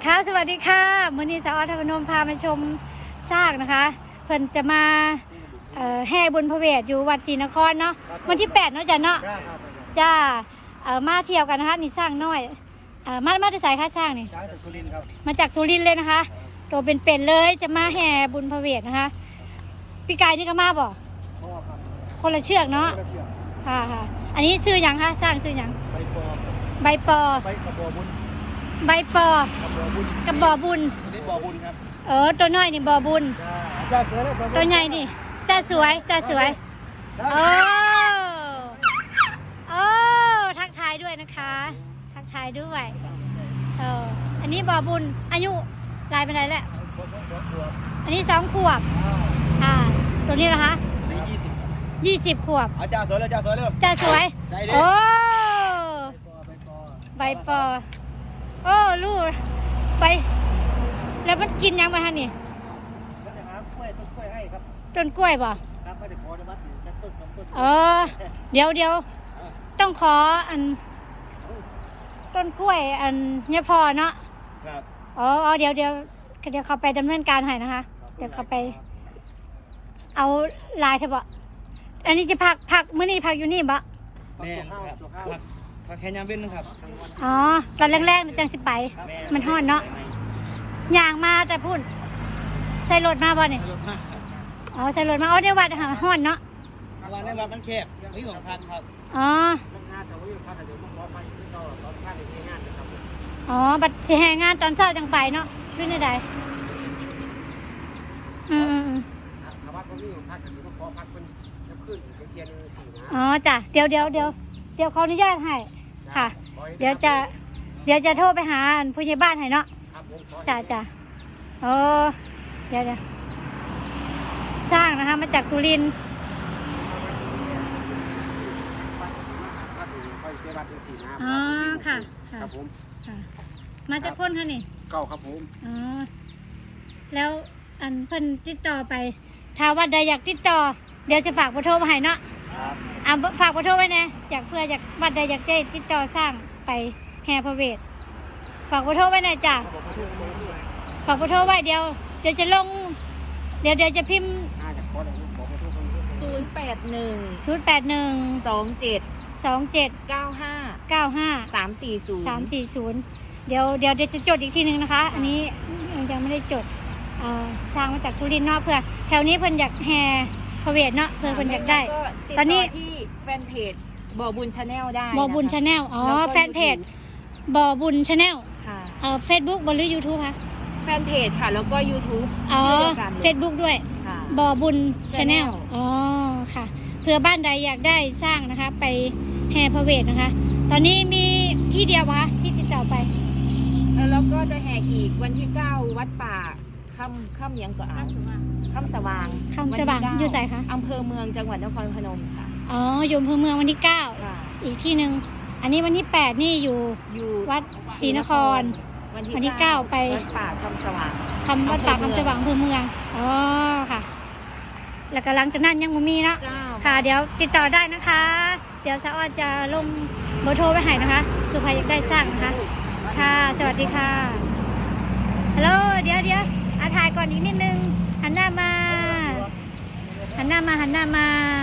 ค่ะสวัสดีค่ะมื้อนี้สาวอธพนมพามาชมซากนะคะเพิ่นจะมาแห่บุญพระเวทอยู่วัดศรีนครเนาะวันที่8เนาะจ้ะเนาะจ้ามาเที่ยวกันนะคะนี่สร้างน้อยมาจะใส่ค่าสร้างนี่มาจากสุรินทร์เลยนะคะตัวเป็นๆเลยจะมาแห่บุญพระเวทนะคะพี่กายนี่ก็มาบ่คนละเชือกเนาะค่ะอันนี้ซื้อหยังคะสร้างซื้อหยังใบปอใบปอกระบอกบุญนี่บ่อบุญครับตัวน้อยนี่บ่อบุญตัวใหญ่นี่จ้าสวยโอ้ทักทายด้วยนะคะทักทายด้วยอันนี้บ่อบุญอายุลายเป็นไรแล้วอันนี้2 ขวบตัวนี้เหรอคะ20 ขวบจ้าสวยเลยจ้าสวยโอ้ใบปอโอ้ลูกไปแล้วมันกินยังไงฮะนี่ต้นกล้วยบ่เดี๋ยวต้องขออันต้นกล้วยอันเนี่ยพอเนาะเดี๋ยวเขาไปดำเนินการให้นะคะเดี๋ยวเขาไปเอาลายใช่ปะอันนี้จะพักมื้อนี้พักอยู่นี่บ่แม่ครับพักแค่ยามเว้นนะครับตอนแรกๆจังสิไปมันฮ้อนเนาะย่างมาแต่พุ่นใส่รถมาบ่เนี่ยใส่รถมาเดี๋ยววัดฮ้อนเนาะวันนี้วัดมันแคบไม่หวงพักครับบัดสิแห่งานตอนเช้าจังไปเนาะขึ้นได้ใดจ้ะเดี๋ยวขออนุญาตให้ค่ะเดี๋ยวจะโทรไปหาผู้ใหญ่บ้านให้เนาะจ้ะเดี๋ยวสร้างนะคะมาจากสุรินทร์ค่ะครับผมมาจากคนค่ะนี่เก้าครับผมแล้วอันเพิ่นติดต่อไปถ้าวัดใดอยากติดต่อเดี๋ยวจะฝากเบอร์โทรมาให้เนาะฝากเบอร์โทรไว้นะเพื่อวัดใดอยากจะติดต่อสร้างไปแห่พระเวทฝากเบอร์โทรไว้หน่อยจ้ะฝากเบอร์โทรไว้เดี๋ยวจะลงเดี๋ยวจะพิมพ์081 27 95 340เดี๋ยวจะจดอีกทีนึงนะคะอันนี้ยังไม่ได้จดทางมาจากสุรินทร์เนาะเพื่อแถวนี้เพิ่นอยากแห่พระเวทเนาะเพิ่นอยากได้ตอนนี้ที่แฟนเพจบ่อบุญชาแนลได้บ่อบุญชาแนลแฟนเพจบ่อบุญชาแนลเฟซบุ๊กหรือ YouTube คะแฟนเพจค่ะแล้วก็ YouTube ชื่อเดียวกันเฟซบุ๊กด้วยบ่อบุญชาแนลค่ะเพื่อบ้านใดอยากได้สร้างนะคะไปแห่พระเวทนะคะตอนนี้มีที่เดียววะที่ติดต่อไปแล้วก็จะแห่อีกวันที่9วัดป่าค่ำยังก็ค่ำสว่างอยู่ไหนคะอำเภอเมืองจังหวัดนครพนมค่ะอยู่อำเภอเมืองวันที่9อีกที่นึงอันนี้วันที่8นี่อยู่วัดศรีนครวันที่9ไปวัดป่าค่ำสว่างวัดป่าค่ำสว่างอำเภอเมืองค่ะแล้วก็หลังจากนั้นยังไม่มีเนาะค่ะเดี๋ยวติดต่อได้นะคะเดี๋ยวสาวจะลงเบอร์โทรไว้ให้นะคะสุภาพอยากได้สร้างนะคะค่ะสวัสดีค่ะฮัลโหลเดี๋ยวถ่ายก่อนอีกนิดนึงหันหน้ามา